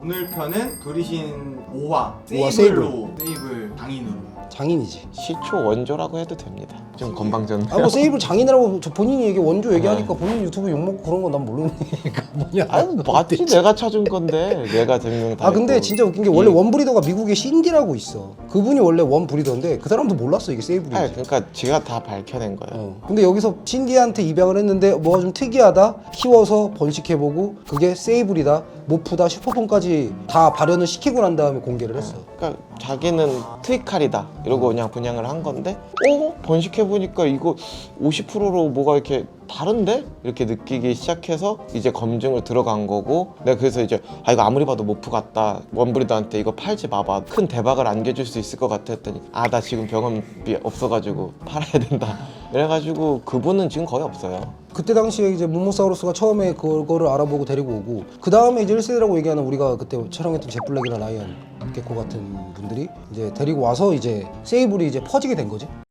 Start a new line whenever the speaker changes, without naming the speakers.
오늘 편은 브리신 5화
오화
세이블로 세이블 장인으로.
장인이지.
시초 원조라고 해도 됩니다. 좀 건방졌네.
아 뭐 세이블 장인이라고 저 본인이 얘기 원조 얘기하니까 본인 유튜브 욕먹고 그런 건 난 모르니까 뭐냐.
아니 맞지, 내가 찾은 건데 내가 증명 다
아 근데
했고.
진짜 웃긴 게 원래 원 브리더가 미국에 신디라고 있어. 그분이 원래 원 브리더인데 그 사람도 몰랐어 이게 세이블인지.
아니 그러니까 지가 다 밝혀낸 거예요.
근데 여기서 신디한테 입양을 했는데 뭐가 좀 특이하다, 키워서 번식해보고 그게 세이블이다, 모프다, 슈퍼폼까지 다 발현을 시키고 난 다음에 공개를 했어.
그러니까 자기는 트위칼이다 이러고 그냥 분양을 한 건데 번식해보니까 이거 50%로 뭐가 이렇게 다른데? 이렇게 느끼기 시작해서 이제 검증을 들어간 거고, 내가 그래서 이제 이거 아무리 봐도 모프 같다, 원브리더한테 이거 팔지 마봐, 큰 대박을 안겨줄 수 있을 것 같아 했더니 나 지금 병원비 없어가지고 팔아야 된다 이래가지고 그분은 지금 거의 없어요.
그때 당시에 이제 문모사우루스가 처음에 그거를 알아보고 데리고 오고, 그 다음에 이제 1세대라고 얘기하는 우리가 그때 촬영했던 제플렉이나 라이언, 개코 같은 분들이 이제 데리고 와서 이제 세이블이 이제 퍼지게 된 거지.